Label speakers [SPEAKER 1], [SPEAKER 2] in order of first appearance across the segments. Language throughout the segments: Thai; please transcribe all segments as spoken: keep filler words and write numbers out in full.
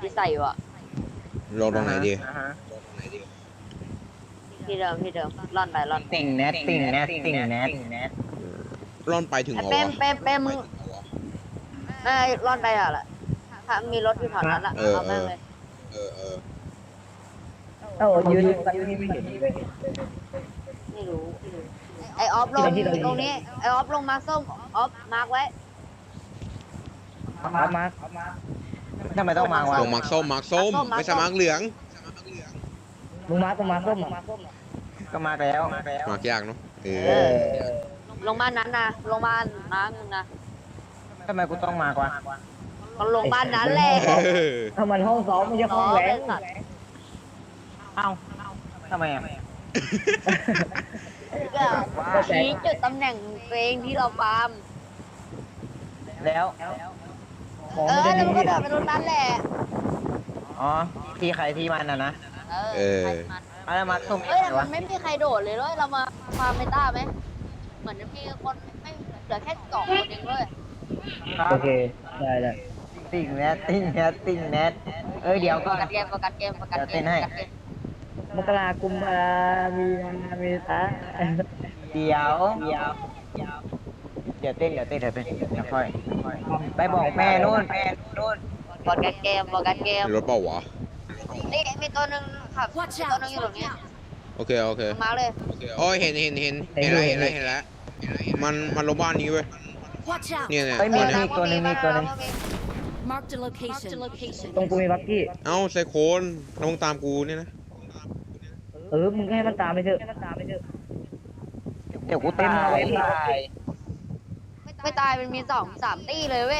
[SPEAKER 1] ที่ใส่อยู่อะ
[SPEAKER 2] ลงตรงไหนดี
[SPEAKER 1] ที่เดิมที่เดิมร่อนไปร่อน
[SPEAKER 3] ติ่งแนทติ่งแนทติ่งแนท
[SPEAKER 2] ร่อนไปถึง
[SPEAKER 1] ไอ้
[SPEAKER 2] เหรอ
[SPEAKER 1] เป้ม
[SPEAKER 2] วะ
[SPEAKER 1] เป้มเป้มมึงไอ้ร่อนไปอะแหละถ้ามีรถอยู่แถวนั้นละ
[SPEAKER 2] เออ
[SPEAKER 1] เอา
[SPEAKER 2] เอ
[SPEAKER 1] แม่ง
[SPEAKER 2] อ
[SPEAKER 1] เลย
[SPEAKER 2] เออเออ
[SPEAKER 3] เอ้ายืนยืนนี่ไม่เห็นเลย
[SPEAKER 1] ไม่รู้ไอ้ออฟลงตรงนี้ไอ้ออฟลงมาร์คส้มออฟมาร์คไว้
[SPEAKER 3] มามาทำไมต้องมาวะ
[SPEAKER 2] ลงมาร์คส้มมาร์คส้มไม่ใช่มาร์คเหลือง
[SPEAKER 3] มึงมาต้องมาส้มก็มาแล้วมาแล้ว
[SPEAKER 2] มาร์คยากเนาะเอ
[SPEAKER 3] เอ
[SPEAKER 2] อ
[SPEAKER 3] อ
[SPEAKER 1] ลงบ้านนั้นนะลงบ้านน้ำมึงนะ
[SPEAKER 3] ทำไมกูต้องมากวะ
[SPEAKER 1] ก็ลงบ้านนั้นแหละ
[SPEAKER 2] เออ
[SPEAKER 3] ถ้ามันห้องซ้อมไม่ใช่ห้องแหวนเอ้าทำไมอ่ะ
[SPEAKER 1] ก็ชี้จุดตำแหน่งตัวเองที่เราฟาร์ม
[SPEAKER 3] แล้ว
[SPEAKER 1] เออแล้วมันก็เดินไปตรงนั้นแหละ
[SPEAKER 3] อ๋อที่ใครที่มันนะนะ
[SPEAKER 1] เออใครมัน
[SPEAKER 3] อะไรมาส้ม
[SPEAKER 1] เอ้ยแต่มันไม่มีใครโดดเลยเลยเรามาฟาร์มเมตาไหมเหมือนจะมีคนไม่เหลือแค่สองคนเองเลย
[SPEAKER 3] โอเคได้ได้ติ่งแนทติ่งแนทติ่งแนทเอ้ยเดี๋ยว
[SPEAKER 1] ป
[SPEAKER 3] ก็
[SPEAKER 1] ระกันเกมประกันเกมประกันเกมประกันเกม
[SPEAKER 3] มกรากุมภามีนาเมษาเดี๋ยวเดี๋ยวเดี๋ยวเต้นเดี๋ยวเต้นเดี๋ยวเต้นเดี๋ยวค่อยไปบอกแม่นู่นแม่นู่น
[SPEAKER 1] ประกันเกมประกันเกม
[SPEAKER 2] มีรถเปล่าวะ
[SPEAKER 1] นี่มีตัวหนึ่งครับมีตัวหนึ่งอยู่ตรงนี้
[SPEAKER 2] โอเคโอเค
[SPEAKER 1] มาเลย
[SPEAKER 2] โอ้ยเห็นเห็นเห็นเห็นแล้วเห็นแล้วเห็นแล้วมันมันลงบ้านนี้เว้ย
[SPEAKER 4] Watch out!
[SPEAKER 2] เนี่ยเนี่ย
[SPEAKER 3] เฮ้ยมี
[SPEAKER 2] เนี่ย
[SPEAKER 3] มีตัวหนึงมีตัวหนึง
[SPEAKER 4] Marked a location.
[SPEAKER 3] ตรงกูมีบักกี้
[SPEAKER 2] เอ้าไซโคนแล้วมึงตามกูเนี่ยนะ
[SPEAKER 3] เออมึงให้มันตามไปเถอะเดี๋ยวกูตาย
[SPEAKER 1] ไม่ตายมันมีสองสามตีเลยเว้ย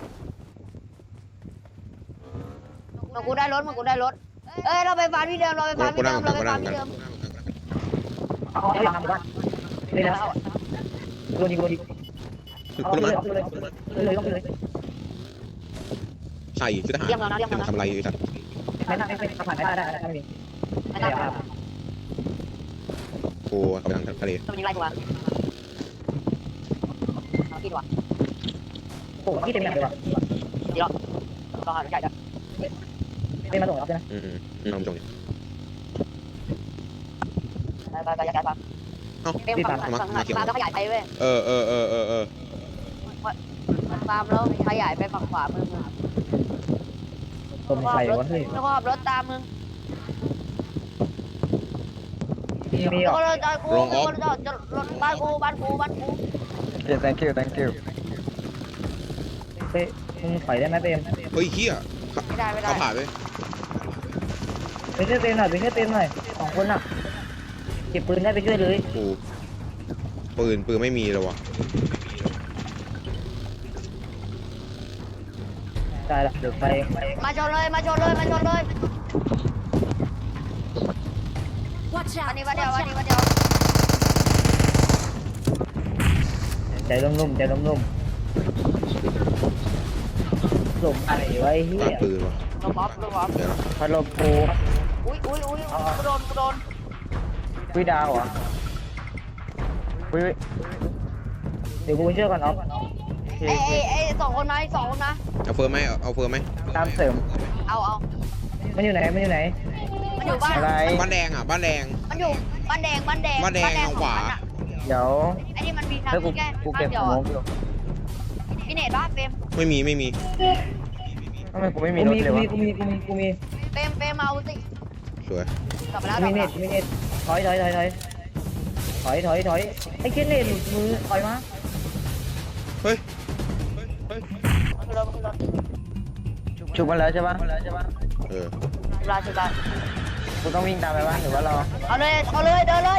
[SPEAKER 1] มากูได้รถมากูได้รถเอ้ยเราไปฟาร์มที่เดิมเราไปฟาร์ม
[SPEAKER 2] กู
[SPEAKER 1] ที่
[SPEAKER 2] นั่
[SPEAKER 1] เดิ
[SPEAKER 2] ง
[SPEAKER 1] ม
[SPEAKER 2] กั
[SPEAKER 1] เรา
[SPEAKER 2] น
[SPEAKER 1] ไป
[SPEAKER 2] กู
[SPEAKER 1] ฟา
[SPEAKER 2] นั่
[SPEAKER 1] ร์
[SPEAKER 2] ง
[SPEAKER 1] ม
[SPEAKER 2] กั
[SPEAKER 1] ที่
[SPEAKER 2] น
[SPEAKER 1] เดิม
[SPEAKER 3] เอาให้ทำกันนี่นะโดนยิงโดนยิง
[SPEAKER 2] คือคุณรู้ไหม
[SPEAKER 3] เลยต้องเลย
[SPEAKER 2] ใส่ชุดทหารจะมาทำอะไรอยู่สัตว์
[SPEAKER 3] ไม่ได้ไม่ได้ผ่านไม่ได้ได้ไม่มี
[SPEAKER 1] ไม่ต้องมา
[SPEAKER 2] กูกำลังทะเล
[SPEAKER 1] มันยิงไล่กูวะเอาที่ดีกว่า
[SPEAKER 3] โอ้ที่เต็มแบบเลยว่ะ
[SPEAKER 1] ดีหรอรอหาใหญ่จ้ะ
[SPEAKER 3] ไม่มาส่งรับใช่ไหม
[SPEAKER 2] อืมอืมอืมลองจง
[SPEAKER 1] ไปไปไปย้ายฟาร์ม
[SPEAKER 2] เอ้า
[SPEAKER 1] เต็มฝั่งฝั่งฟาร์มแล้วขยายไปเว้ย
[SPEAKER 2] เออเออเออเออเออ
[SPEAKER 1] ฟาร์มแล้วขยายไปฝั่งขวามือมึง
[SPEAKER 3] ต้นไทยวะเฮ้ย
[SPEAKER 1] แล้วก็ขับรถตามมึง
[SPEAKER 3] มี
[SPEAKER 1] แล้ว
[SPEAKER 3] อ่ะ
[SPEAKER 1] ก็รถจอดกูแล้วก็จอดรถบ้านกูบ้านกูบ้านกู
[SPEAKER 3] เดี๋ยว thank you thank you เฮ้ยมึงถอยได้ไหมเต็ม
[SPEAKER 2] เฮ้ยเฮีย
[SPEAKER 1] ไม่ได้ไม่ได้
[SPEAKER 2] เขาผ่านไป
[SPEAKER 3] ไปช่วยเต็มหน่อยไปช่วยเต็มหน่อยสองคนอ่ะเก็บปืนได้ไปช่วยเลย
[SPEAKER 2] กูปืนปืนไม่มีเลยวะ
[SPEAKER 3] ได้ละเดี๋ยวไป
[SPEAKER 1] มาชนเลยมาชนเลยมาชนเลย
[SPEAKER 4] Watch
[SPEAKER 1] วัน
[SPEAKER 4] out!
[SPEAKER 1] นี้วันเดียววันนี้วันเดียว
[SPEAKER 3] ใจนุ่มๆใจนุ่มๆหลบอะไรไว้เฮี
[SPEAKER 2] ตาย ปืนวะ
[SPEAKER 1] ลงออฟลงออฟ
[SPEAKER 2] เดี๋ยวนะ
[SPEAKER 3] พัดลมปู
[SPEAKER 1] อุ้ยอุ้ยอุ้ยกูโดนกูโดน
[SPEAKER 3] วิดาวอ่ะวิเดี๋ยวกูไปช่วยก่อนอ๊อฟ
[SPEAKER 1] ไอ้ไอ้ไอ้สองคนนะไอ้สองคนนะ
[SPEAKER 2] เอาเฟิร์มไหมเอาเอาเฟิร์มไหม
[SPEAKER 3] ตามเสริม
[SPEAKER 1] เอาเอา
[SPEAKER 3] มันอยู่ไหนมันอยู่ไหน
[SPEAKER 1] มันอยู่บ้าน
[SPEAKER 3] อะไร
[SPEAKER 2] บ้านแดงอ่ะบ้านแดง
[SPEAKER 1] มันอยู่บ้านแดงบ้านแดง
[SPEAKER 2] บ้านแดงทางขวา
[SPEAKER 1] ของมันอะ
[SPEAKER 3] เดี๋ยว
[SPEAKER 1] ไอ้นี่มันมีทาง
[SPEAKER 3] เฮ้ยกู
[SPEAKER 1] แค่
[SPEAKER 3] กู
[SPEAKER 1] บ้า
[SPEAKER 3] เก็
[SPEAKER 1] น
[SPEAKER 3] บ
[SPEAKER 1] เดี
[SPEAKER 3] ข
[SPEAKER 1] ยว
[SPEAKER 3] อง
[SPEAKER 1] อะ
[SPEAKER 3] อยู่
[SPEAKER 1] พี่เนตว่าเปม
[SPEAKER 2] ไม่มีไม่มี
[SPEAKER 3] ทำไมกูไม่มีรถเลยวะกูมีกูมีกูมี
[SPEAKER 1] เปมเปมเอาสิ
[SPEAKER 2] สวย
[SPEAKER 1] กลับมาแล้ว
[SPEAKER 3] กูมีเน็ตกูมีเน็ตถอยถอยถอยถอยถอยถอยถอยไอ้เจนเน็ตหลุดมือถอยมา
[SPEAKER 2] เฮ้ยเฮ้ย
[SPEAKER 1] ขึ้นรถขึ้นรถ
[SPEAKER 3] ฉุกมันแล้วใช่ปะ
[SPEAKER 2] เออ
[SPEAKER 1] ชุบลาชุบลา
[SPEAKER 3] กูต้องวิ่งตามไปบ้างหรือว่ารอ
[SPEAKER 1] เอาเลยเอาเลยเดินเลย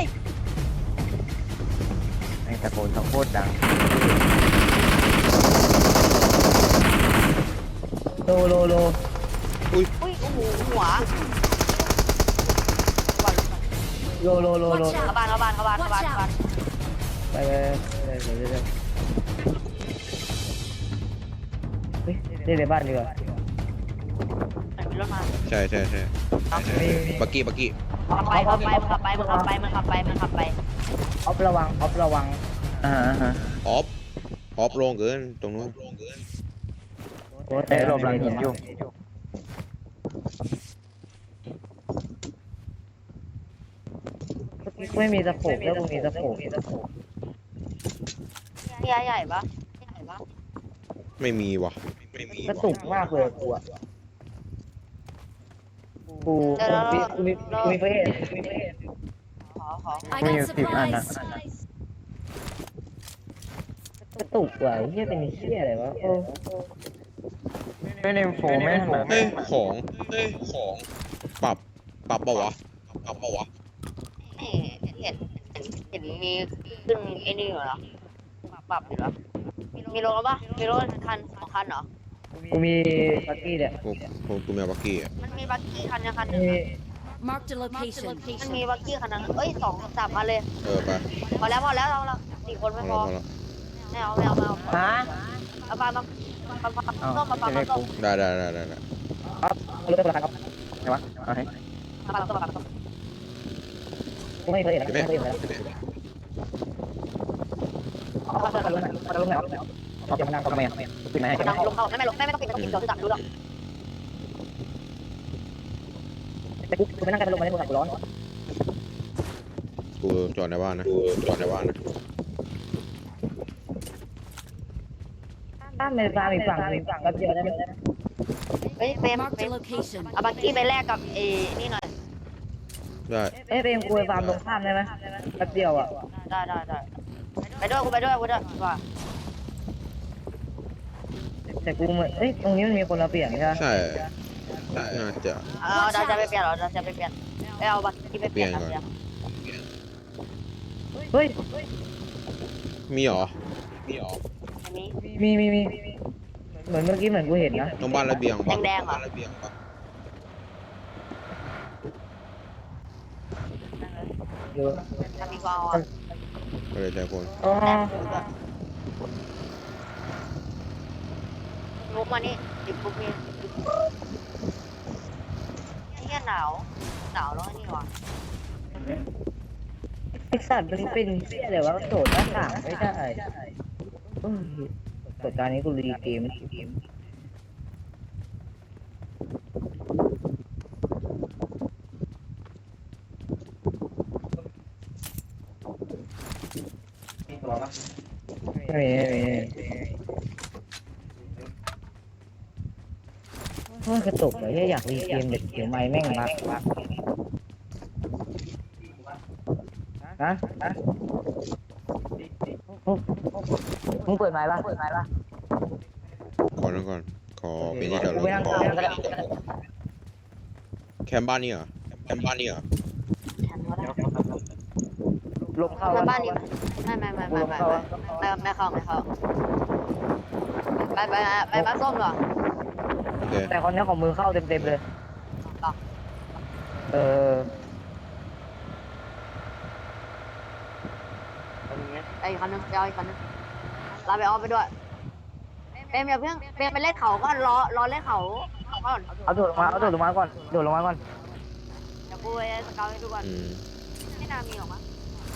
[SPEAKER 3] ไอ้ตะโกนต้องโคตรดังโลโลโล
[SPEAKER 2] อุ้ย
[SPEAKER 1] อุ้ยโอ้โหหัว
[SPEAKER 3] โลโลโลโล
[SPEAKER 1] เข้าบ้านเข้าบ้านเข้าบ้านเข้าบ้านเข้าบ้าน
[SPEAKER 3] ไปไปไปไปไปไปเฮ้ยเล่นในบ้านดีกว่า
[SPEAKER 1] มันมีรถมา
[SPEAKER 2] ใช่ใช่ใช่บักกี้บักกี้
[SPEAKER 1] ขับไปขับไปมันขับไปมันขับไปมันขับไปมันขับไป
[SPEAKER 3] ออฟระวังออฟระวังอ่าฮะ
[SPEAKER 2] ออฟออฟลงเกินตรงนู้น
[SPEAKER 3] เตะหลบหลังหินอยู่ไม่มีตะโขบแล้วกูมีตะโขบ
[SPEAKER 1] พี่ใหญ่ปะใหญ่ปะ
[SPEAKER 2] ไม่มีว่ะไม่มี
[SPEAKER 3] กระตุกมากเลยกูอะกูกูมีกูมีกูมีเฟซ
[SPEAKER 1] ขอขอ
[SPEAKER 4] I got supplies.
[SPEAKER 3] กระตุกว่ะเฮียเป็นเฮียอะไรวะโอ้ไม่ในโฟมไม่ถนัด
[SPEAKER 2] เฮ้ยของเฮ้ยของปรับปรับเปล่าวะปรับเปล่าวะ
[SPEAKER 1] เห็นเห็นเห็นมีขึ้นไอ้นี่อยู่เหรอปรับอยู่เหรอมีรถปะมีรถคันสองคันเหรอ
[SPEAKER 3] กูมีบักกี้เนี่ย
[SPEAKER 2] กูกูกูมีบักกี้อ่ะ
[SPEAKER 1] มันมีบักกี้คันยังคันหนึง
[SPEAKER 3] มี
[SPEAKER 4] Marked a location.
[SPEAKER 1] มันมีบักกี้คันนึงเอ้ยสองสามคันเลย
[SPEAKER 2] เออไป
[SPEAKER 1] พอแล้วพอแล้วเราเราสี่คน
[SPEAKER 2] พ
[SPEAKER 1] ไม่
[SPEAKER 2] อ
[SPEAKER 1] พ
[SPEAKER 2] แล้
[SPEAKER 1] อ
[SPEAKER 2] วพอแล้ว
[SPEAKER 1] ไม่เอาไม่เอาไม่เอา
[SPEAKER 3] ฮะ
[SPEAKER 1] เอาปลามาปลาปลา
[SPEAKER 3] เอา
[SPEAKER 1] ต้มปลาปลา
[SPEAKER 3] เรียก
[SPEAKER 1] ต้
[SPEAKER 3] กู
[SPEAKER 1] ม
[SPEAKER 2] ได้ได้ได้ได้ได้
[SPEAKER 3] ครับเอารถตัวละครับไหนวะเอาให้
[SPEAKER 1] ปลาปลาต้มปลาต้ม
[SPEAKER 3] กูไม่เคยเห็นนะไม่เคยเห็นนะเอาเอาเอาลงไหนเอาลงไหนเอาจะมานั่งทำไมอ่ะปิดไหน
[SPEAKER 1] ลงลงเข้าไม่ไม่ลงไม่ไม่ต้องปิดไม่ต้องปิดเดี๋ยวจะจับดูหรอก
[SPEAKER 3] แต่กูกูไม่นั่งกันลงมาในโทรศัพท์กูร้อน
[SPEAKER 2] กูจอดในบ้านนะกูจอดในบ้านนะ
[SPEAKER 3] ด้านในฟาร์มอีกฝั่งอีกฝั่งก็เยอะนะ
[SPEAKER 1] เฮ้ยเฟรม
[SPEAKER 4] Marked
[SPEAKER 1] เฟร
[SPEAKER 4] a
[SPEAKER 1] ม
[SPEAKER 4] location.
[SPEAKER 1] เอาบักกี้ไปแลกกับเอนี่หน่อย
[SPEAKER 2] ได้
[SPEAKER 3] เอ้ยเป็นกูไปฟาร์มตรงข้ามได้ไหมแป๊บเดียวอ่ะ
[SPEAKER 1] ได้ได้ได้ไปด้วยกูไปด้วยกูด้วยว่า
[SPEAKER 3] แต่กูเหมือนเอ้ยตรงนี้มันมีคนมาเปลี่ยนใช่ไหม
[SPEAKER 2] ใช่น่าจะ
[SPEAKER 1] เอาเราจะไปเปลี่ยนเหรอเราจะไปเปลี่ยนไปเอาบักกี้ไปเปลี่ยน
[SPEAKER 2] เปลี่ยนก่อน
[SPEAKER 3] เฮ้ย
[SPEAKER 2] มีเหรอมีเหรอ
[SPEAKER 1] อันนี้
[SPEAKER 3] มีมีมีเหมือนเมื่อกี้เหมือนกูเห็นนะ
[SPEAKER 2] ตรงบ้านระเบียงปะ
[SPEAKER 1] แดงๆเหรอ
[SPEAKER 2] บ้านระเบียงปะ
[SPEAKER 3] เยอะ
[SPEAKER 1] ถ้ามีก็เอาอ่ะ
[SPEAKER 2] ไม่ได้ใจคน
[SPEAKER 3] อ๋อ
[SPEAKER 1] ลุกมานี่ดิบลุกนี่นี่หนาวหนาวแล้วนี่วะ
[SPEAKER 3] ไอสัตว์มันเป็นเสี้ยอะไรวะโดดหน้าต่างไม่ได้เอ้ยกดการนี้กูรีเกมไม่มีไม่มีว่ากระตุกเลยอยากรีเกมเด็กเดี๋ยวไม่แม่งรักรักฮะฮะมึงเปิดไมค์ป่ะเปิดไมค์ป่ะ
[SPEAKER 2] ขอนั่งก่อนขอเป็นที่จอดร
[SPEAKER 3] กู
[SPEAKER 2] ถ
[SPEAKER 3] ไปนั่ง
[SPEAKER 2] ขอ
[SPEAKER 3] ข้างก็ได้
[SPEAKER 2] แคมป์บ้านนี่เหรอแคมป์บ้านนี่เหรอ
[SPEAKER 3] ลมเข้า
[SPEAKER 1] มาบ้านนี้ไม่ไม่ไม่ไม่ไม่ไม่ไม่ไม่เข้าไม่เข้าไปไปไปบ้านส้มเหรอ
[SPEAKER 2] โอเค
[SPEAKER 3] แต่คนนี้ของมือเข้าเต็มๆเลย เออ
[SPEAKER 1] ไอ้คันนึงไปเอาอีกคันนึงลาไปเอาไปด้วยเฟรมอย่าเพิ่งเฟรมไปเล่นเขาก่อนรอรอเล่นเขาก่อน
[SPEAKER 3] เอาโดดลงมาเอาโดดลงมาก่อนโดดลงมาก่อน
[SPEAKER 1] เดี๋ยวกูไปสเกลให้ดูก่อน
[SPEAKER 2] อืม
[SPEAKER 1] ไม่น่ามีหรอกมั้ง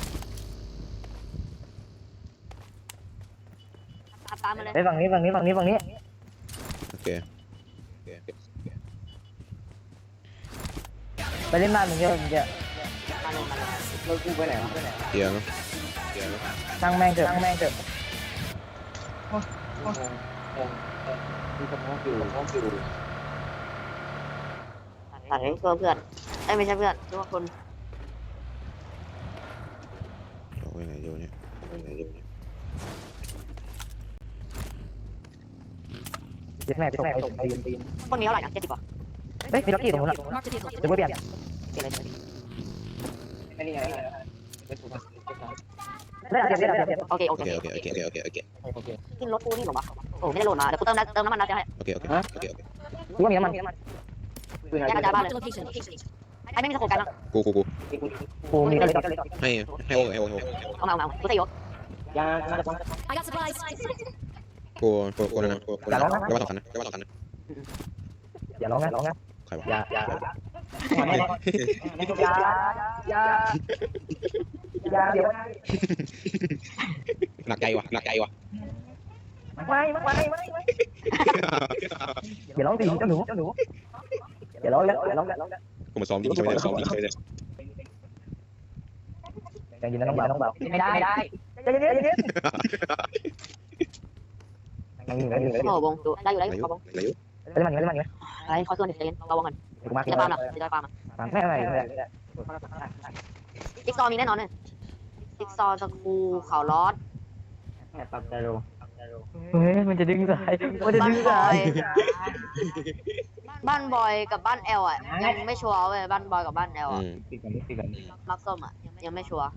[SPEAKER 1] ตามมาเลย
[SPEAKER 3] ไปฝั่งนี้ฝั่งนี้ฝั่งนี้ฝั่งนี้
[SPEAKER 2] โอเคโอเค
[SPEAKER 3] ไปเล่นบ้านมึงเยอะมึงจะ
[SPEAKER 1] มาเลยมาเลย
[SPEAKER 3] รถกูไปไหนวะ
[SPEAKER 2] เกียร์เนาะเกียร์เนาะ
[SPEAKER 3] ตั้งแม่งเถอะตั้งแม่งเถอะ
[SPEAKER 1] ตัดให้เพื่อนเพื่อนไอ้ไม่ใช่เพื่อนทุกคน
[SPEAKER 2] เอาไว้ไหนเดี๋ยวนี้เอาไว้ไหนเดี๋ยวนี้
[SPEAKER 3] เดี๋ยวแม่ไปส่งไปส่งไปยืนตีน
[SPEAKER 1] พวกนี้เท่าไหร่นะเจ็ดสิบป่ะ
[SPEAKER 3] เฮ้ยมีล็อกกี้ตรงนู้นอ่ะ
[SPEAKER 4] Marked a vehicle.
[SPEAKER 3] เดี๋ยวกูเปลี่ยน
[SPEAKER 1] เจ็ดเลย
[SPEAKER 3] ได้เดี๋ยวเดี๋ยวเดี๋ยวเดี๋ยว
[SPEAKER 1] โอเคโอ
[SPEAKER 2] โอ
[SPEAKER 1] เค
[SPEAKER 2] เคโอเคโอเคโอเคโอเค
[SPEAKER 1] กินรถกูนี่หรอวะโอ้ไม่ได้โหลดมาเดี๋ยวกูเติมน้ำเติมน้ำมันนะจะให้
[SPEAKER 2] โอเคโอเคโอเคโอเค
[SPEAKER 3] กูว่ามีน้ำมัน
[SPEAKER 1] แยกกระจายบ้านเลย
[SPEAKER 4] Marked a location.
[SPEAKER 1] ไอ้ไม่มีสโคปกันนะ
[SPEAKER 2] กูกูกู
[SPEAKER 3] กูมีก็เลย
[SPEAKER 2] ให้ให้โอ้ให้โอ้ให้โอ้
[SPEAKER 1] เอามาเอามากูใส่ยศ
[SPEAKER 3] ยา
[SPEAKER 4] I got supplies.
[SPEAKER 2] กูกูกูนั่นนะกูกูนั่นนะแล้วว่าสองคันนะแล้วว่าสองคันนะ
[SPEAKER 3] อย่าร้องนะร้องนะ
[SPEAKER 2] ใครวะ
[SPEAKER 3] อย่าอย่าอย่าอย่าอย่าเดี๋ยว
[SPEAKER 2] หนักใจวะหนักใจวะ
[SPEAKER 3] ไม่ไม่ไม่ไม่อย่าร้องสิเจ้าหนูเจ้าหนูอย่าร้องแล้วอย่าร้องแล้ว
[SPEAKER 2] กูมาซ้อมดิใช่ไหมซ้อมดิใช่ไหม
[SPEAKER 3] ใจเย็นนะน้องเบาน้องเบาไม่ได้ไม่ได้ใจเย็นใจเย็นนั่งอยู่นั่งอยู่
[SPEAKER 1] โอ้บงดูได้อยู่ได้อยู่ขอบง
[SPEAKER 2] อะไรอยู่
[SPEAKER 3] ได้มันได้มัน
[SPEAKER 1] อะไรขอส่วนเดี๋ยวใจเย็นเราวงก่อน
[SPEAKER 3] ถูกมาก
[SPEAKER 1] จะปาล์มหรอจะปาล์ม
[SPEAKER 3] ไม่ไม่ไม่
[SPEAKER 1] จิ๊กซอมีแน่นอนเลยจิ๊กซอสกูเขาลอด
[SPEAKER 3] ปรับใจลงเฮ้ยมันจะดึงสายมันจะ
[SPEAKER 1] บ้า
[SPEAKER 3] ดึ
[SPEAKER 1] น
[SPEAKER 3] ง
[SPEAKER 1] บ
[SPEAKER 3] สา
[SPEAKER 1] อย ยบ้านบอยกับบ้านแอลอ่ะยังไม่ชัวร์เว้ยบ้านบอยกับบ้านแอล
[SPEAKER 2] อื
[SPEAKER 1] อ่ะ
[SPEAKER 2] ม
[SPEAKER 3] ติดกันติดกัน
[SPEAKER 1] มักส้มอ่ะยังไม่ชัวร์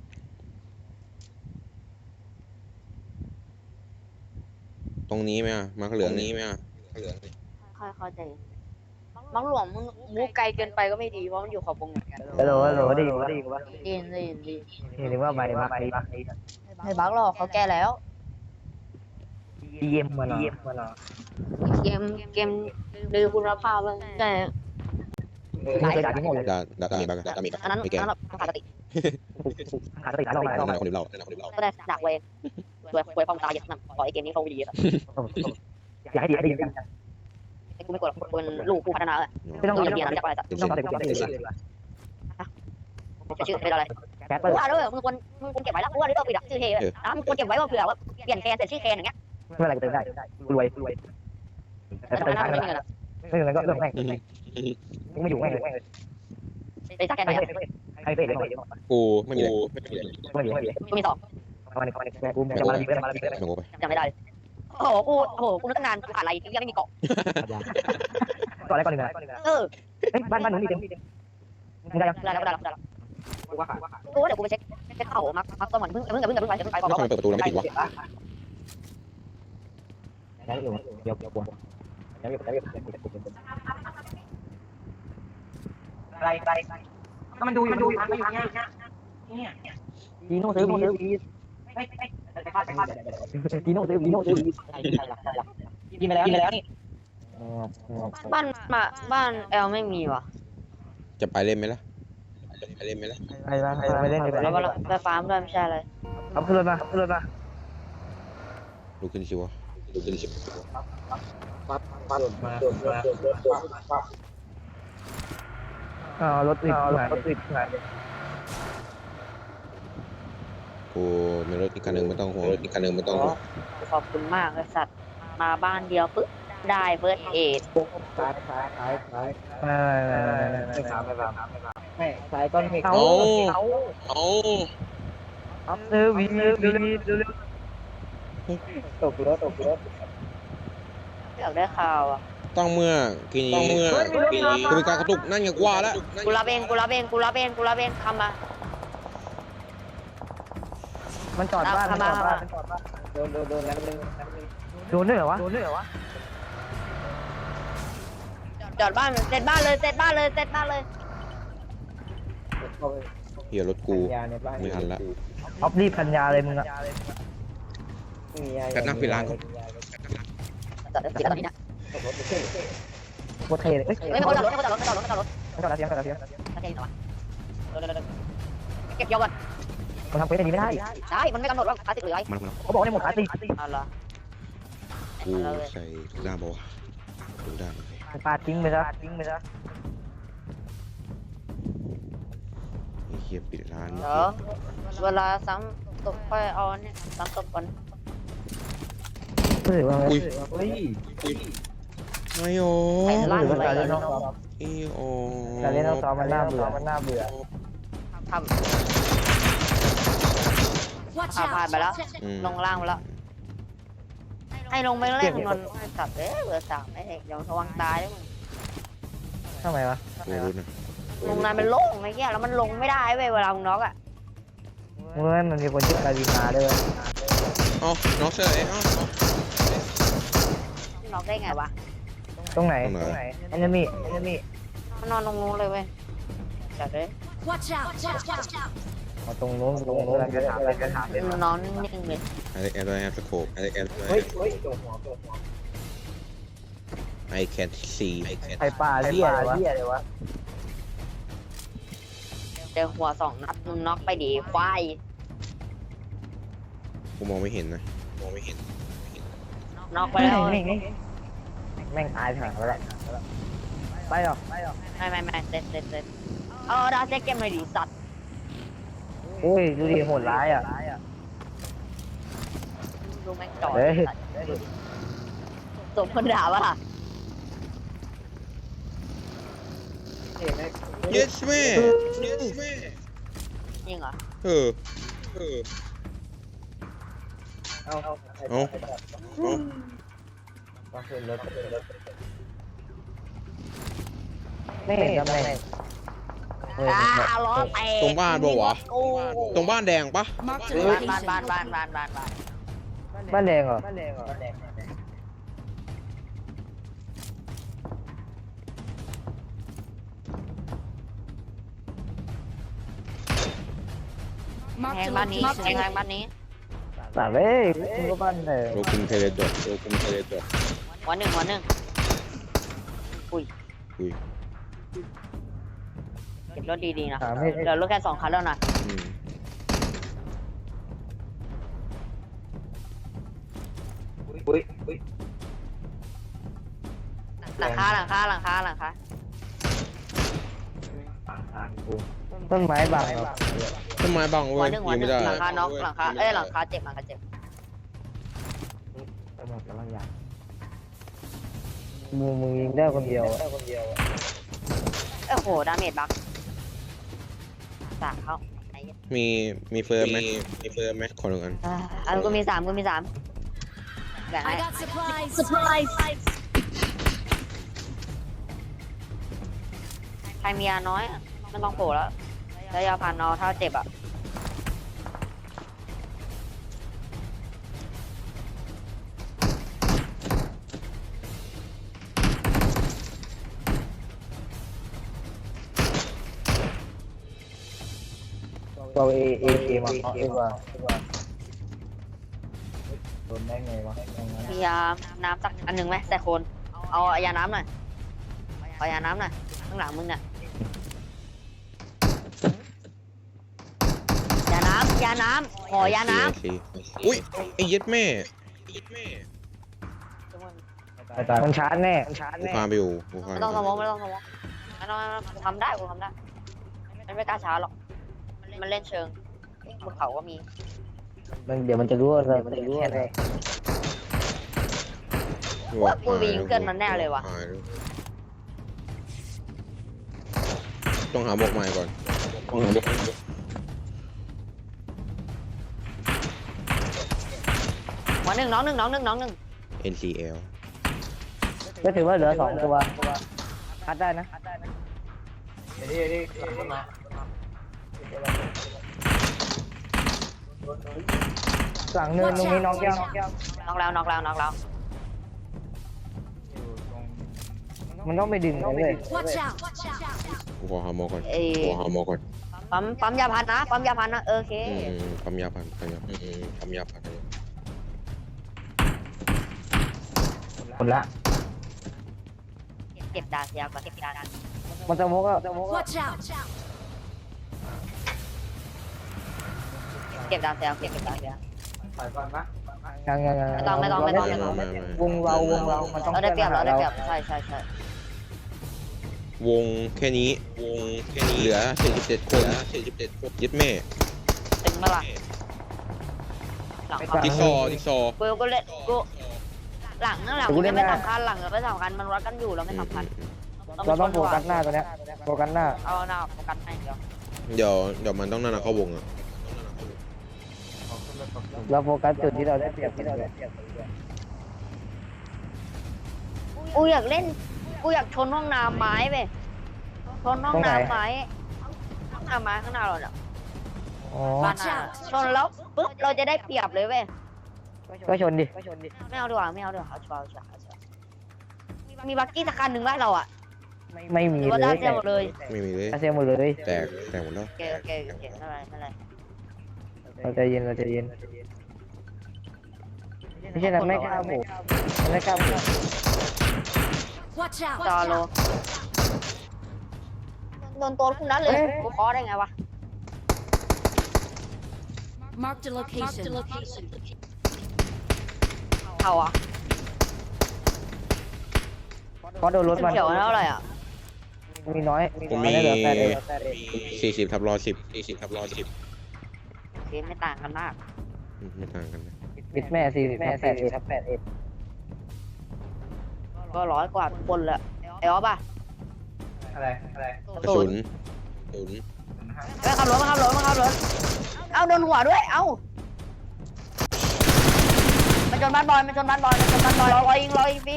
[SPEAKER 2] ตรงนี้ไหมอ่ะมาเหลืองนี้ไหมอ่ะเหลือง
[SPEAKER 1] ค่อยเข้าใจมังหลวงมึงมูไกลเกินไปก็ไม่ดีเพราะมันอยู่ขอบวงเหมือนกัน
[SPEAKER 3] ฮัลโหลฮัลโหลดีกว่าดีกว่า
[SPEAKER 1] ดีดีดี
[SPEAKER 3] นี่นึกว่าใบบักใบบัก
[SPEAKER 1] ไม่บักหรอกเขาแก้แล้ว
[SPEAKER 3] ดีเอ็มมาหรอดีเอ็มมาหรอ
[SPEAKER 1] เกมเกมดูคุณภาพแล้วแต่
[SPEAKER 3] ไม่เคยด่าที่หมดเลย
[SPEAKER 2] ดาดาดามีบ้างดามีบ้าง
[SPEAKER 1] อันนั้น
[SPEAKER 2] ไม่แก้
[SPEAKER 1] อันนั้นขาดสติ
[SPEAKER 3] ขาดสติขาดลงมา
[SPEAKER 2] นั่นคนดื่มเหล้านั่นคนดื่มเหล้า
[SPEAKER 1] ก็ได้ดักเวงสวยสวยฟองตายอย่างนั้นขอไอเกมนี้เขาไม่ดีอ่ะ
[SPEAKER 3] อยากให้ดีให้ดีกัน
[SPEAKER 1] ไอ้กูไม่กดกูเป็นลูกผู้พัฒนาเลย
[SPEAKER 3] ไม่ต้อง
[SPEAKER 1] กู
[SPEAKER 3] ต้อง
[SPEAKER 1] จะเรียนอะไรจากอะไรสัก
[SPEAKER 3] ต้องใส่กุญแจเลย
[SPEAKER 1] จะชื่อเป็นอะไร
[SPEAKER 3] แคปเปอ
[SPEAKER 1] กู
[SPEAKER 3] ร์
[SPEAKER 1] ว่าด้วยมึงควรมึงควรเก็บไว้แล้วกูว่าด้วยปิดชื่อเฮนะมึงควรเก็บไว้ว่าเผื่อว่าเปลี่ยนแคนแต่ชื่อแคนอย่างเงี้ย
[SPEAKER 3] ไม่เป็นไรกูเติมได้รวยรวยแต่
[SPEAKER 1] แต่
[SPEAKER 3] เติม
[SPEAKER 1] นั้น
[SPEAKER 3] ได้
[SPEAKER 1] ไม่มีเงินอ่ะ
[SPEAKER 3] ไม่เป็นไรก็เรื่องแม่งไม่อยู่แม่ง
[SPEAKER 1] ไปสักแคนไหน
[SPEAKER 3] ใครเตะเลย
[SPEAKER 2] กูไม่มีเลยไม่มีเลย
[SPEAKER 3] ไม่อยู่ไม่อยู่
[SPEAKER 1] กูมีสอง
[SPEAKER 3] มาในคอมเมนต์กูจะมาดีไปมาดีไป
[SPEAKER 2] ไม่งงไป
[SPEAKER 1] จำไม่ได้โอ้โหกูโอ้โหกูนึกตั้งนานกูขาดอะไรที่ยังไม่มีเกาะ
[SPEAKER 3] ก่อนอะไรก่อนหนึ่งนะ
[SPEAKER 1] เออ
[SPEAKER 3] เฮ้ยบ้านบ้านหนูมีเต็มมึงได้ยัง
[SPEAKER 1] ได้แล้วได้แล้วได้แล้ว
[SPEAKER 3] กูว่าขาด
[SPEAKER 1] กูเดี๋ยวกูไปเช็คเช็คเข่ามักมักตัวเหมือนเพิ่งเพิ่งเพิ่งเพิ่งไปเพิ่งไปก่อน
[SPEAKER 2] แล้วทำไมเปิดประตูแล้วไม่ปิดวะ
[SPEAKER 3] แล้วอยู่เดี๋ยวเดี๋ยวปวดแล้วอยู่แล้วอยู่อะไรอะไรก็มันดูอยู่มันดูอยู่มันอยู่เนี่ยเนี่ยจีโน่ซื้อซื้อจีโน่ซื้อจีโน่ซื้อกินไปแล้วกินไปแล้วนี่
[SPEAKER 1] บ้านมาบ้านแอลไม่มีว่ะ
[SPEAKER 2] จะไปเล่นไหมล่ะจะไปเล่นไหมล่ะ
[SPEAKER 3] ไปบ้างไปเล่นดีกว่า
[SPEAKER 1] แล้วไฟฟ้าด้วยไม่ใช่อะไร
[SPEAKER 3] เอาขึ้นรถมาขึ้นรถมา
[SPEAKER 2] ลุกขึ้นชิวะลุกขึ้นชิว
[SPEAKER 3] อ๋อรถติดรถติดไง
[SPEAKER 2] กูมีรถอีกคันหนึ่งไม่ต้องห่วงรถอีกคันหนึ่งไม่ต้องห่วง
[SPEAKER 1] ขอบคุณมากเลยสัตว์มาบ้านเดียวปึ๊บได้เฟิร์สเอด
[SPEAKER 3] ซ้ายซ้ายซ้ายซ้ายไม่ไม่ไม่ไม่สามไม่สามไม่ซ้ายก้อนเมฆ
[SPEAKER 2] เอาเอา
[SPEAKER 3] อัพเซอร์วีวีวีเร็วตกรถตกรถ
[SPEAKER 1] อยากได้ข่าวอ่ะ
[SPEAKER 2] ต้องเมื่อกี้นี้เมื่อกี้นี้กูมีการกระตุกนั่นไงกว่าแล้ว
[SPEAKER 1] กูรับเองกูรับเองกูรับเองกูรับเองทำมา
[SPEAKER 3] มันจอดบ้านมันจอดบ้านโดนโดนโดนนั้นนึงโดนด้วยเหรอวะโดนด้วยเหรอวะ
[SPEAKER 1] จอดบ้านเสร็จบ้านเลยเสร็จบ้านเลยเสร็จบ้านเลย
[SPEAKER 2] เฮียรถกูไม่ทันละ
[SPEAKER 3] ออฟรีพันยาเลยมึงอะ
[SPEAKER 2] กันนั่งปิดร้านก่อน
[SPEAKER 1] จอดติดตรงนี้นะ
[SPEAKER 3] โคตรเท่เลยเอ้ย
[SPEAKER 1] ไม่ไม่จอดรถไม่จอดรถไม่จอดรถไม่จอดรถ
[SPEAKER 3] ไม่จอดแล้วเสียงจอดแล้วเสียง
[SPEAKER 1] ไม่ใช่หรอเก็บยอก่อน
[SPEAKER 3] มันทำเควสได้ดีไม่ได้
[SPEAKER 1] ใช่มันไม่กำหนดว่าคลาสสิกหรือไง
[SPEAKER 2] มาแล้ว
[SPEAKER 3] เขาบอกได้หมดขาตี
[SPEAKER 1] เอาละ
[SPEAKER 2] กูใส่ด้ามบอดูด้าม
[SPEAKER 3] ปาทิ้งไปซะทิ้งไปซะ
[SPEAKER 2] ไอ้เฮียปิดร้าน
[SPEAKER 1] เดี๋ยวเวลาซ้ำตกค่อยเอาเนี่ยซ้ำตกก่อน
[SPEAKER 3] เฮ้ยว่า
[SPEAKER 2] อุ้ย
[SPEAKER 3] เฮ้ย
[SPEAKER 2] ไม่โอ้
[SPEAKER 1] ไอ้ล่าง
[SPEAKER 3] มัน
[SPEAKER 1] เล
[SPEAKER 3] การ
[SPEAKER 1] ย
[SPEAKER 3] เล่นน้องซ้อม
[SPEAKER 2] อีโอ
[SPEAKER 3] การเล่นน้องซ้อมมันน่าเบื่อมันน่าเบื่อ
[SPEAKER 1] ทำ
[SPEAKER 4] Watch
[SPEAKER 1] พาผ่าน
[SPEAKER 4] out!
[SPEAKER 1] ไปแล้ว ลงล่างไปแล้ว ให้ลงไปเล่นนนสัตว์เอ้ยเบอร์สามไอ้เด็กยังระวังตายด้วยมึง
[SPEAKER 3] ทำไมวะ
[SPEAKER 2] กูรู้นะ
[SPEAKER 1] ลงนานเป็นโล่งไอ้เงี้ยแล้วมันลงไม่ได้เว้ยเวลามึงน็อกอ่ะ
[SPEAKER 3] มึงรู้ไหมมันมีคนชื่อการินาด้วย
[SPEAKER 2] อ๋อน้องเชยอ๋อ
[SPEAKER 1] น็อกได้ไงวะ
[SPEAKER 3] ตรงไหนตรงไหนแอนมี่แอนมี่
[SPEAKER 1] มันนอนตรงนู้นเลยเว้ยจัดเลย
[SPEAKER 4] Watch out! Watch out!
[SPEAKER 3] เอาตรงโน้นตรงโน้นกระถางเลยกระถางเลย
[SPEAKER 1] มันนอนนิ่งๆเลย
[SPEAKER 2] อะไรแอร์ด้วยแอร์สโคปอะไรแอร์ด้วย
[SPEAKER 3] เฮ้ยเฮ้ยตัวหัวตัวหัว
[SPEAKER 2] I can't see I can't
[SPEAKER 3] ไข่ป่าเหี้ยเหี้ยเลยวะ
[SPEAKER 1] เจอหัวสองนัดมึงน็อกไปดีควาย
[SPEAKER 2] กูมองไม่เห็นนะมองไม่เห็น
[SPEAKER 1] น็อกไปแล้ว
[SPEAKER 3] แม่งตายห่างแล้วไปหรอไปหรอ
[SPEAKER 1] ไม่ไม่ไม่เซ็ตเซ็ตเซ็ตเออดาวเซ็ตเกมเลยดิสัตว์
[SPEAKER 3] ไโอ้ยดูดิโหดร้ายอ่ะ
[SPEAKER 1] ดูแม่งจอด
[SPEAKER 3] เฮ้ย
[SPEAKER 1] สมคนด่าป่ะล่ะ
[SPEAKER 2] yes แม่ yes แม่
[SPEAKER 1] จริงเหรอ
[SPEAKER 2] เออเออ
[SPEAKER 3] เอาเอา
[SPEAKER 2] เอา
[SPEAKER 3] เอาขึ้นรถไม่เห็นตำแหน่งเฮ้ย
[SPEAKER 1] อ่าล้อแตก
[SPEAKER 2] ตรงบ้านปะวะ
[SPEAKER 1] โอ้
[SPEAKER 2] ตรงบ้านแดงปะ
[SPEAKER 4] Marked a
[SPEAKER 1] บ้านบ้าน
[SPEAKER 4] location.
[SPEAKER 1] บ้านบ้านบ้านบ้านบ้าน
[SPEAKER 3] บ้านแดงเหรอบ้านแดงเหรอ
[SPEAKER 1] แท
[SPEAKER 4] Marked
[SPEAKER 1] ง
[SPEAKER 4] a
[SPEAKER 1] บ้านนี้
[SPEAKER 4] location.
[SPEAKER 1] แทงบ้านนี้
[SPEAKER 3] ต่างเลยคุณก็บ้านแดง
[SPEAKER 2] โลคุมเทเลจดโลคุมเทเลจด
[SPEAKER 1] หัวหนึ่งหัวหนึ่งอุ้ย
[SPEAKER 2] อุ้ย
[SPEAKER 1] เก็บรถดีๆนะ
[SPEAKER 3] ถามให้
[SPEAKER 1] เดี๋ยวรถแค่สองคันแล้วนะ
[SPEAKER 2] อืม
[SPEAKER 3] อุ้ยอุ้ย
[SPEAKER 1] หลังคาหลังคาหลังคาหลังคา
[SPEAKER 3] ต้นไม้บังเหรอ
[SPEAKER 2] ต้นไม้บัง
[SPEAKER 1] หั
[SPEAKER 2] เว้
[SPEAKER 1] วย หนึ่งหัว
[SPEAKER 2] ยิง
[SPEAKER 1] หนึ่
[SPEAKER 2] ไม่
[SPEAKER 1] ง
[SPEAKER 2] ได้
[SPEAKER 1] หลังคาน็อกหลังคาเอ้ยหลังคาเจ็บหลังคาเจ็บ
[SPEAKER 3] ไปหมดแล้วอย่างมึงมึงยิงได้คนเดียวอะ
[SPEAKER 1] เอ้ยโหดาเมจบักสามเขาไหน
[SPEAKER 2] มีมีเฟิร์มไหมมีเฟิร์มไหมขอหนึ่งอัน
[SPEAKER 1] อ่าอันก็มีสามก็มีสามแบ่งให้
[SPEAKER 4] I got supplies. Supplies.
[SPEAKER 1] ใครมียาน้อยอะไม่ต้องโผล่แล้วแล้วยาพันนอถ้าเจ็บอ่ะ
[SPEAKER 3] เราเอเอเอมาเอาดีกว่าโดนได้ไงวะ
[SPEAKER 1] มียาน้ำสักอันหนึ่งไหมแต่คนเอายาน้ำหน่อยเอายาน้ำหน่อยข้างหลังมึงเนี่ยยาน้ำยาน้ำขอยาน้
[SPEAKER 2] โอเคอุ้ยไอ้เย็ดแม่ไอ้เย็ดแม่
[SPEAKER 1] ำ
[SPEAKER 3] มันชาร์จแน่มันชาร์จ
[SPEAKER 2] กู
[SPEAKER 3] แน่
[SPEAKER 2] พาไปอยู่กูพา
[SPEAKER 1] ไม่ต้องสมองไม่ต้องสมองไม่ต้องไม่ต้องกูทำได้กูทำได้มันไม่กล้าช้าหรอกมันเล่นเชิงบนเขาก็มี
[SPEAKER 3] มันเดี๋ยวมันจะรู้ว่าเรามันจะรู้ว่าอะไร
[SPEAKER 1] ว่ากูไปยิงเพื่อนมันแน่เลยว่ะ
[SPEAKER 2] หายแล้วต้องหาหมวกใหม่ก่อนต้องหาหมวก
[SPEAKER 1] หัวหนึ่งน้องหนึ่งน้องหนึ่งน้องหนึ่ง
[SPEAKER 2] เอ็น ซี แอล
[SPEAKER 3] ก็ถือว่าเหลือสองตัวคัดได้นะหลังเนินตรงนี้น้องแก้วน้องแก้ว
[SPEAKER 1] น้องแล้วน้องแล้วน้องแล้ว
[SPEAKER 3] มันต้องไปดึงเขาเลย
[SPEAKER 4] Watch out.
[SPEAKER 2] กูขอหาหมวกก่อน
[SPEAKER 1] เอ้ย
[SPEAKER 2] กูขอหาหมวกก่อน
[SPEAKER 1] ปั๊มปั๊มยาพันนะปั๊มยาพันนะโอเค
[SPEAKER 2] อืมปั๊มยาพันปั๊มยาพันอืมปั๊มยาพัน
[SPEAKER 3] คนละ
[SPEAKER 1] เก็บดาเซียก่อนเก็บดา
[SPEAKER 3] มันจะมกอ่ะ
[SPEAKER 4] Watch out.
[SPEAKER 1] เก็บดาเซียเก็บดาเซีย
[SPEAKER 3] ยังยังยัง
[SPEAKER 1] ไม่ต้องไม่ต้องไม่ต้องไม่ต้อง
[SPEAKER 2] ไม่ไม่
[SPEAKER 3] วงเราวงเรามันต้อง
[SPEAKER 1] เราได้เปรียบเราได้เปรียบใช่ใช่ใช่
[SPEAKER 2] วงแค่นี้วงแค่นี้เหลือสี่สิบเจ็ดคนสี่สิบเจ็ดคนเย็ดแม่
[SPEAKER 1] ตึงมาละหลังเขา
[SPEAKER 2] จิ๊กซอว์จิ๊กซอว์
[SPEAKER 1] กูก็เล่นกูหลังนั่งหลังมันไม่สำคัญหลังไม่สำคัญมันวัดกันอยู่เราไม่สำคัญ
[SPEAKER 3] เราต้องโฟกัสหน้าตัวเนี้ยโฟกัสหน้า
[SPEAKER 1] เอาหน้าโฟกัสให้เดียว
[SPEAKER 2] เดี๋ยวเดี๋ยวมันต้องนั่นนะเข้าวงอ่ะ
[SPEAKER 3] เราโฟกัสจุดที่เราได้เปรียบที่เราได้เปรียบ
[SPEAKER 1] กูอยากเล่นกูอยากชนห้องน้ำไม้ไปชนห้องน้ำไม้ห้องน้ำไม้ข้างหน้าเราเนี่ย
[SPEAKER 3] อ๋อ
[SPEAKER 1] บ้านหน้าชนแล้วปุ๊บเราจะได้เปรียบเลยเว้ย
[SPEAKER 3] ก็ชนดิ
[SPEAKER 1] ไม่เอาดีกว่าไม่เอาดีกว่าเอาชัวร์เอาชัวร์เอาชัวร์มีบักกี้สักคันหนึ่งบ้านเราอ่ะ
[SPEAKER 3] ไม่มี
[SPEAKER 1] หรือว่า
[SPEAKER 3] เล
[SPEAKER 1] ดาวย เซียหมดเลย
[SPEAKER 2] ไม่มีเลย
[SPEAKER 3] อาเซียหมดเลย
[SPEAKER 2] แตกแตกหมดแล้ว
[SPEAKER 1] โอเคโอเคโอเคไม่เป็นไรไม่เป็นไร
[SPEAKER 3] เราใจเย็นเราใจเย็นไม่ใช่นั้นไม่กล้าบุกมันไม่กล้าบุก
[SPEAKER 4] Watch
[SPEAKER 1] จอ
[SPEAKER 4] out.
[SPEAKER 1] โลโดนตัวคุณนั้นเลยกูขอได้ไงวะ
[SPEAKER 4] Marked a location.
[SPEAKER 1] เขาอ่ะ
[SPEAKER 3] เพราะโดนรถมัน
[SPEAKER 1] เขียวเท่าไหร่อ่ะ
[SPEAKER 3] มีน้อย
[SPEAKER 2] ผมมี
[SPEAKER 3] เหลือแปดเอง
[SPEAKER 2] สี่สิบทับร้อยสิบสี่สิบทับร้อยสิบ
[SPEAKER 1] เคไม่ต่างกันมาก
[SPEAKER 2] อืมไม่ต่างกันนะ
[SPEAKER 3] บิดแม่สี่สิบแม่แปดเอ็ดแปดเอ็ด
[SPEAKER 1] ก็ร้อยกว่าทุกคนเลยไอ้ออฟป่ะ
[SPEAKER 3] อะไรอะไร
[SPEAKER 2] กระสุนกระสุน
[SPEAKER 1] ไปขับรถมาขับรถมาขับรถเอาโดนหัวด้วยเอ้ามาชนบ้านบอยมาชนบ้านบอยมาชนบ้านบอยรอรอยิงรอยิงพี่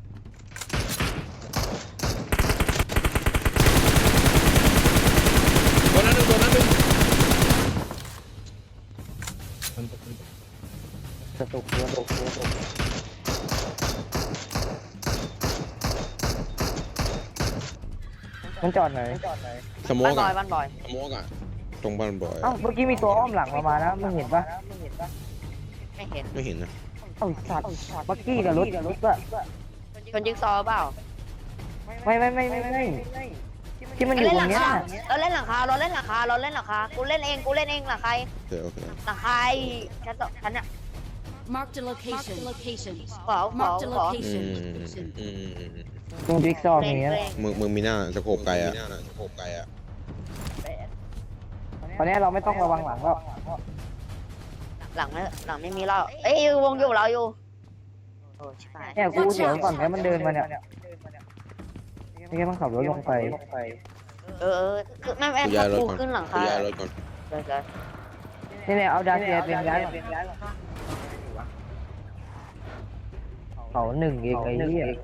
[SPEAKER 2] ตัวนั้นหนึ่งตัวนั้นหนึ่ง
[SPEAKER 3] กระตุกกระตุกกระตุกมันจอดไหน
[SPEAKER 2] สโม
[SPEAKER 1] บ้าน
[SPEAKER 2] ก
[SPEAKER 1] บอย
[SPEAKER 2] อะ
[SPEAKER 1] บ้านบอย
[SPEAKER 2] สโมกอะตรงบ้านบอย
[SPEAKER 3] เอ้าเมื่อกี้มีตัวอ้อมหลังเรามานะมึงเห็นปะ
[SPEAKER 1] ไม่เห็น
[SPEAKER 2] ไม่เห็นนะ
[SPEAKER 3] เอ้าสัตว์เมื่อกี้กับรถรถอะ
[SPEAKER 1] ชนจิ๊กซอว์เปล่า
[SPEAKER 3] ไม่ไม่ไม่ไม่ไม่ที่มันอยู่ตรงเนี้ย
[SPEAKER 1] เราเล่นหลังคาเราเล่นหลังคาเราเล่นหลังคากูเล่นเองกูเล่นเองหลังคา
[SPEAKER 2] โอเคโอเค
[SPEAKER 1] หลังคาชั้นสองชั้นเนี่ย
[SPEAKER 4] Marked a location. Location.
[SPEAKER 1] ขอขอ
[SPEAKER 4] Marked a
[SPEAKER 1] ขอ
[SPEAKER 2] อืม
[SPEAKER 4] location.
[SPEAKER 2] อืมอืม
[SPEAKER 3] ตรงจิ๊กซอว์มีเนี้ย
[SPEAKER 2] มึงมึงมีหน้าสโคปไกลอะสโคปไกลอะ
[SPEAKER 3] ตอนนี้เราไม่ต้องระวังหลังแล้ว
[SPEAKER 1] หลังไม่หลังไม่มีเราเอ้ยวงอยู่เราอยู่โอ้ชิบหาย
[SPEAKER 3] เนี่ยกูเดี๋ยวก่อนแค่มันเดินมาเนี่ยนี่แค่ต้องขับรถลงไป
[SPEAKER 1] เออเออคือไม่ไม่
[SPEAKER 2] กูย้ายรถ
[SPEAKER 1] กู
[SPEAKER 2] ก่อน
[SPEAKER 1] ขึ้นหลัง
[SPEAKER 2] กู
[SPEAKER 1] คา
[SPEAKER 2] ย้ายรถก่อน
[SPEAKER 1] เลยเลย
[SPEAKER 3] นี่เนี่ยเอาดาเซียเป็นย้ายเขาหนึ่งเองไอ้เหี้ย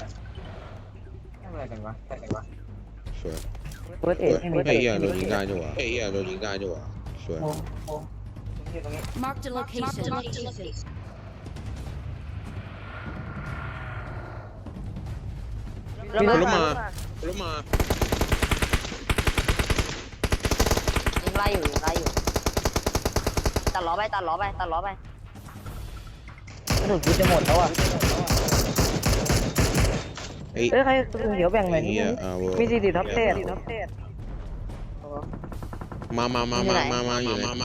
[SPEAKER 2] สวย
[SPEAKER 3] เฟิร์สเอ
[SPEAKER 2] เฮ้
[SPEAKER 3] ท
[SPEAKER 2] ย
[SPEAKER 3] ไม่มี
[SPEAKER 2] ไอ้เหี้ยโดนยิงได้ด้วยวะไอ้เหี้ยโดนยิงได้ด้วยวะสวย
[SPEAKER 4] Marked a location. Location.
[SPEAKER 1] แล้ว
[SPEAKER 2] ร
[SPEAKER 1] มา
[SPEAKER 2] ถมารถมา
[SPEAKER 1] ยิงไล่อยู่ยิงไล่อยู่ตัดล้อไปตัดล้อไปตัดล้อไป
[SPEAKER 3] กระสุนกูจะหมดแล้วอ่ะ
[SPEAKER 2] ไอ้
[SPEAKER 3] เอ้ยใครกระสุนเดี๋ยวแบ่งหน่อย
[SPEAKER 2] ไอ้
[SPEAKER 3] นี่
[SPEAKER 2] เหี้ยอ่าเวอร์
[SPEAKER 3] มีสี่สิบท็อปเทส
[SPEAKER 2] มามามามามามาอยู่มามา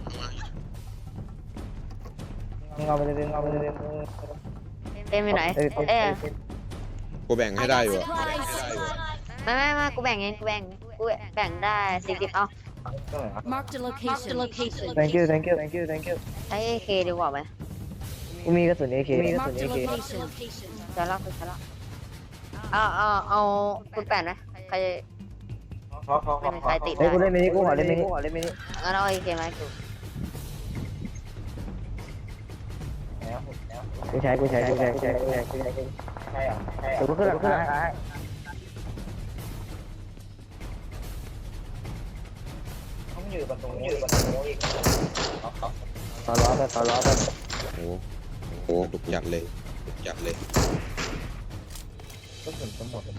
[SPEAKER 3] มึงเอาไปเลยมึงเอาไปเลย
[SPEAKER 1] เต็มอยู่ไหนเอ๊ะ
[SPEAKER 2] กูแบ่งให้ได้อยู่อะ
[SPEAKER 1] ไม่ไม่ไม่กูแบ่งเองกูแบ่งกูแบ่งได้สี่สิบเอา
[SPEAKER 4] Marked a location. Location.
[SPEAKER 3] thank you thank you thank you thank you
[SPEAKER 1] ใช้เอเคดีกว่าไหม
[SPEAKER 3] กูมีกระสุนเอเคมีกระสุน
[SPEAKER 4] Marked
[SPEAKER 3] เอ
[SPEAKER 4] a
[SPEAKER 3] เค
[SPEAKER 4] location.
[SPEAKER 1] จะเล่าคือจะเล่าเอาเอาเอาคุณแปดนะใครไม่มีใครติด
[SPEAKER 3] เฮ้ย
[SPEAKER 1] ได้
[SPEAKER 3] กูเล่นมินิกูขอเล่นมินิกูขอเล่นมินิ
[SPEAKER 1] งั้นเอาเอเคมาให้กู
[SPEAKER 3] กูใช้กูใช้กูใช้กูใช้กูใช้กูใช้ใช่เหรอใช่เหรอกูขึ้นหลังคาต้องอยู่บนตรงนี้อยู่บนตรงนี้อีกต่อล้อไปต่อล้อไป
[SPEAKER 2] โอ้โหโอ้โหดุจัดเลยดุจัดเลย
[SPEAKER 3] ก็ถึงจะหมด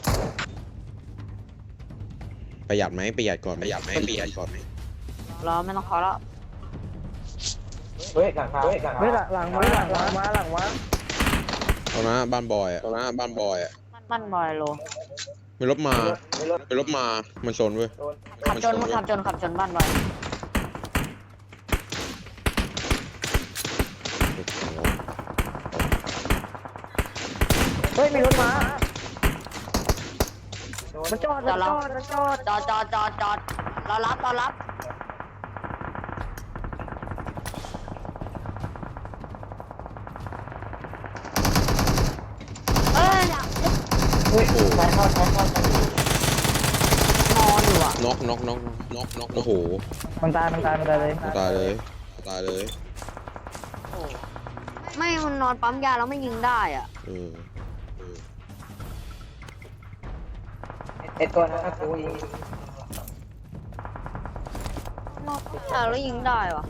[SPEAKER 2] ประหยัดไหมประหยัดก่อนประหยัดไหมประหยัดก่อนไหม
[SPEAKER 1] รอไม่ต้องขอแล้ว
[SPEAKER 3] เฮ้ยหลังมาเฮ้ยหลังมาหลังมาหลังมาหลังมา
[SPEAKER 2] เอานะบ้านบอยอะเอานะบ้านบอยอะ
[SPEAKER 1] มันบอยโล
[SPEAKER 2] มีรถมามีรถมามันชนเว้ย
[SPEAKER 1] ขับจนมันขับจนขับจนบ้านบอย
[SPEAKER 3] เฮ้ยมีรถมามันจอดมันจอดมันจอด
[SPEAKER 1] จอดจอดจอดจอดรอรับรอรับเอ้ย
[SPEAKER 3] เฮ้ยไปเข้าเข้าเข้าน
[SPEAKER 1] อนอยู่อ่ะ
[SPEAKER 2] น็อกน็อกน็อกน็อกน็อกโอ้โห
[SPEAKER 3] มันตายมันตายมันตายเลย
[SPEAKER 2] ตายเลยตายเลย
[SPEAKER 1] ไม่มันนอนปั๊มยาแล้วไม่ยิงได้อ่ะ
[SPEAKER 2] เออเออ
[SPEAKER 3] ไอตัวนั้นกูยิง
[SPEAKER 1] นอนปั๊มยาแล้วยิงได้วะ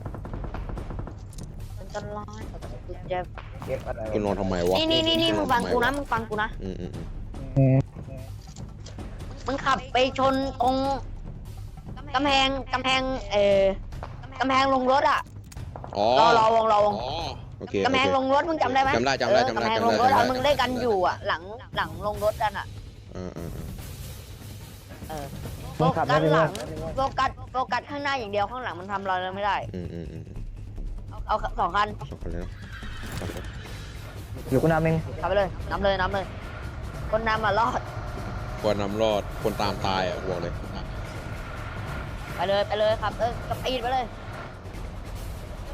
[SPEAKER 1] มันจะร้ายกูเจ็บ
[SPEAKER 3] เก็บอะไร
[SPEAKER 2] คุณนอนทำไมวะ
[SPEAKER 1] นี่นี่นี่นี่มึงฟังกูนะมึงฟังกูนะ
[SPEAKER 2] อืมอืมอืม
[SPEAKER 1] มึงขับไปชนตรงกำแพงกำแพงเออกำแพงลงรถอ่ะ
[SPEAKER 2] อ๋อ
[SPEAKER 1] รอรอวงรอวง
[SPEAKER 2] อ๋อโอเค
[SPEAKER 1] กำแพงลงรถมึงจำได้ไหม
[SPEAKER 2] จำได้จำได้
[SPEAKER 1] เออ
[SPEAKER 2] จำได้
[SPEAKER 1] กำแพง
[SPEAKER 2] จำ
[SPEAKER 1] ล
[SPEAKER 2] ได้
[SPEAKER 1] งรถ
[SPEAKER 2] จำได้
[SPEAKER 1] อะมึงเล่นกันอยู่อ่ะ หลังหลังลงรถกันอ่ะ
[SPEAKER 2] อ่าอ่าอ่า
[SPEAKER 1] เออโฟกัสหลังโฟกัสโฟกัสข้างหน้าอย่างเดียวข้างหลังมันทำอะไรเราไม่ได้
[SPEAKER 2] อืมอืมอืม
[SPEAKER 1] เอาสองคัน
[SPEAKER 2] สองคนเลยเนาะสองคน
[SPEAKER 3] อยู่กูนำเอง
[SPEAKER 1] ขับไปเลยน้ำเลยน้ำเลย คนน้ำมารอด
[SPEAKER 2] ควรนำรอดคนตามตายอ่ะบอกเลย
[SPEAKER 1] ไปเลยไปเลยครับเออกับปีดไปเลย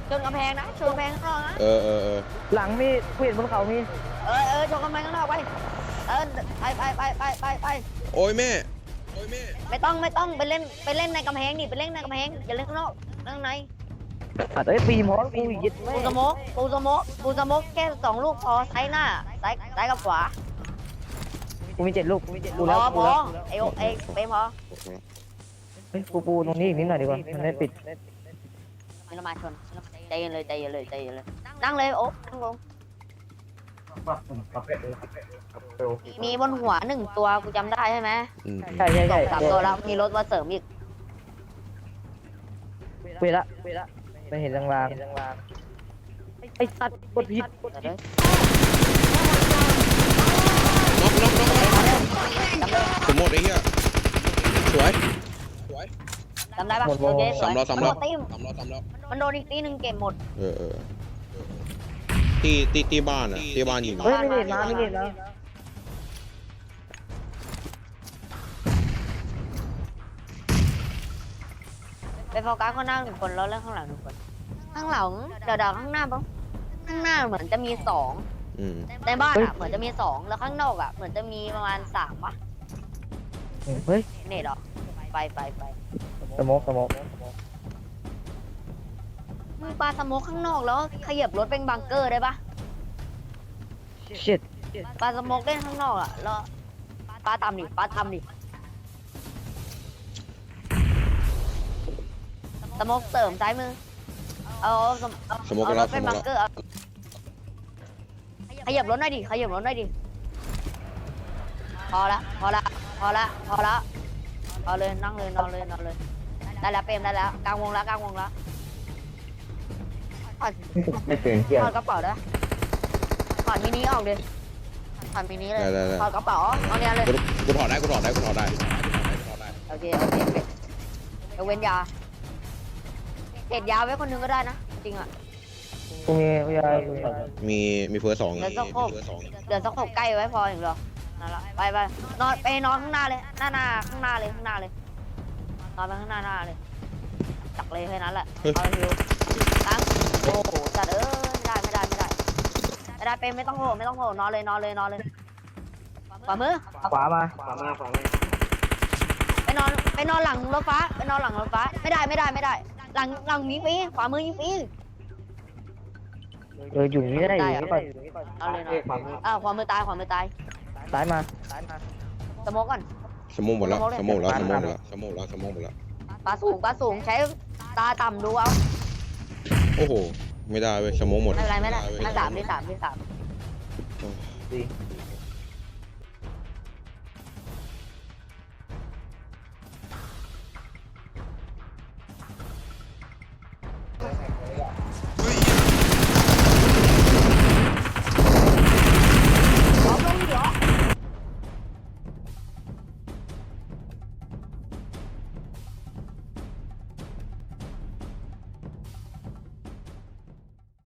[SPEAKER 1] ชนกำแพงนะชนกำแพงข้างนอกนะ
[SPEAKER 2] เออเออเออ
[SPEAKER 3] หลังมีกูเห็นบนเขามี
[SPEAKER 1] เออเออชนกำแพงข้างนอกไปเออไปไปไปไปไปไป
[SPEAKER 2] โอ้ยแม่โอ้ยแม่
[SPEAKER 1] ไม่ต้องไม่ต้องไปเล่นไปเล่นในกำแพงนี่ไปเล่นในกำแพงอย่าเล่นข้างนอกเล่นข้างใน
[SPEAKER 3] อ่ะเอ้ยปีมอสกูยึดแม่
[SPEAKER 1] ปูสโมกปูสโมกปูสโมกแค่สองลูกพอซ้ายหน้าซ้ายซ้ายกับขวา
[SPEAKER 3] กูมีเจ็ดลูกกูมีเจ็ด
[SPEAKER 1] พ
[SPEAKER 3] ลูก
[SPEAKER 1] อ
[SPEAKER 3] แล้ว
[SPEAKER 1] พ
[SPEAKER 3] กู
[SPEAKER 1] อ
[SPEAKER 3] แล้ว
[SPEAKER 1] ไอโอไอเปมพอ
[SPEAKER 3] เฮ้ยกูปูตรงนี้อีกนิดหน่อยดีกว่ามันได้ปิด
[SPEAKER 1] มิลมาชนใจเย็นเลยใจเย็นเลยใจเย็นเลยนั่งเลยโอ๊นั่งลงมีบนหัวหนึ่งตัวกูจำได้ใช่ไหม
[SPEAKER 2] อืม
[SPEAKER 3] ใช่ใช่
[SPEAKER 1] สอ
[SPEAKER 3] ใช่
[SPEAKER 1] งสามตัวแล้วมีรถมาเสริมอีก
[SPEAKER 3] เวละเวละไม่เห็นลางๆไอ้สัตว์กดผิด
[SPEAKER 1] เดี๋ยวเดี๋ยว
[SPEAKER 2] น็อกน็อกน็อก
[SPEAKER 1] จำได้
[SPEAKER 2] สมหมดไอ้เหี้ยสวยสวย
[SPEAKER 1] จำได้ปะโอเคสวย
[SPEAKER 2] สามรอบสามรอบ
[SPEAKER 1] นโดนตีม
[SPEAKER 2] สามรอบสามรอบ
[SPEAKER 1] มันโดนอีกตีหนึ่งเก็บหมด
[SPEAKER 2] เออเออตีตีตีบ้านอ่ะตีบ้านยิง
[SPEAKER 3] เฮ้ยไม่เห็นนะไม่เห็นนะ
[SPEAKER 1] ไปโฟกัสข้างหน้าหนึ่งคนแล้วเล่นข้างหลังหนึ่งคน ข้างหลังเดี๋ยวเดี๋ยวข้างหน้าปะข้างหน้าเหมือนจะมีสอง
[SPEAKER 2] อืม
[SPEAKER 1] ในบ้านอ่ะเหมือนจะมีสองแล้วข้างนอกอ่ะเหมือนจะมีประมาณสามปะ
[SPEAKER 3] เฮ้ย
[SPEAKER 1] เน็ตเหรอไปไปไป
[SPEAKER 3] สโมกสโมก
[SPEAKER 1] มึงปาสโมกข้างนอกแล้วขยับรถเป็นบังเกอร์ได้ปะ
[SPEAKER 3] ชิต
[SPEAKER 1] ปาสโมกเล่นข้างนอกอ่ะแล้วปาตามดิปาตามดิสโมกเสริมซ้ายมือเอาสโม
[SPEAKER 2] สมมติ
[SPEAKER 1] เอา
[SPEAKER 2] ก็
[SPEAKER 1] ร
[SPEAKER 2] รับ
[SPEAKER 1] ถ
[SPEAKER 2] ส
[SPEAKER 1] เป็น
[SPEAKER 2] มม
[SPEAKER 1] บัง
[SPEAKER 2] ติ
[SPEAKER 1] เกอร์เอาขยับรถหน่อยดิขยับรถหน่อยดิพอละพอละพอละพอละพอเลยนั่งเลยนอนเลยนอนเลยได้แล้วเปรมได้แล้วกลางวงแล้วกลางวงแล้วถอด
[SPEAKER 3] ไม่เป็นเที่ย
[SPEAKER 1] ถอดกระเป๋าได้ถอดมินิออกดิถอดมินิเลย
[SPEAKER 2] ได้ได้ได้
[SPEAKER 1] ถอดกระเป๋าเอาเนี้ยเลย
[SPEAKER 2] กูกูถอดได้กูถอดได้กูถอดได้
[SPEAKER 1] โอเคโอเคยกเว้นยาเด็ดยาไว้คนหนึงก็ได้นะจริงอ่ะ
[SPEAKER 3] กูมีกูยา
[SPEAKER 2] มีมีเฟิร์สสอง
[SPEAKER 1] แล้วก็
[SPEAKER 2] มี
[SPEAKER 1] ครบ
[SPEAKER 2] เฟิร์สสอง
[SPEAKER 1] เดี๋ยวสักหกใกล้ไว้พออย่างเดียวนั่นแหละไปไปนอนไปนอนข้างหน้าเลยหน้าหน้าข้างหน้าเลยข้างหน้าเลยนอนไปข้างหน้าหน้าเลยจักเลยแค่นั้นแหละเอาฮิวตั้งโอ้โหจัดเออไม่ได้ไม่ได้ไม่ได้ไม่ได้เป็นไม่ต้องโผล่ไม่ต้องโผล่นอนเลยนอนเลยนอนเลยขวามือ
[SPEAKER 3] ขวามา
[SPEAKER 1] ไปนอนไปนอนหลังรถฟ้าไปนอนหลังรถฟ้าไม่ได้ไม่ได้ไม่ได้ หลังหลังยิงฟรีขวามือยิงฟรี
[SPEAKER 3] เอออยู่นี่ก็ได้อยู่นี่ก่อน
[SPEAKER 1] เอาเลยนอนอ้าวขวามือตายขวามือตาย
[SPEAKER 3] ซ้ายมาซ้ายมา
[SPEAKER 1] สโมกก่อน
[SPEAKER 2] สมมติหมดแล้วสมมติแล้วสมมติแล้วสมมติแล้วสมมติหมดแล้ว
[SPEAKER 1] ปลาสูงปลาสูงใช้ตาต่ำดูเอา
[SPEAKER 2] โอ้โหไม่ได้เว้ยสมมติหมด
[SPEAKER 1] ไม่เป็นไรไม่ได้ไม่สามไม่สามไม่สาม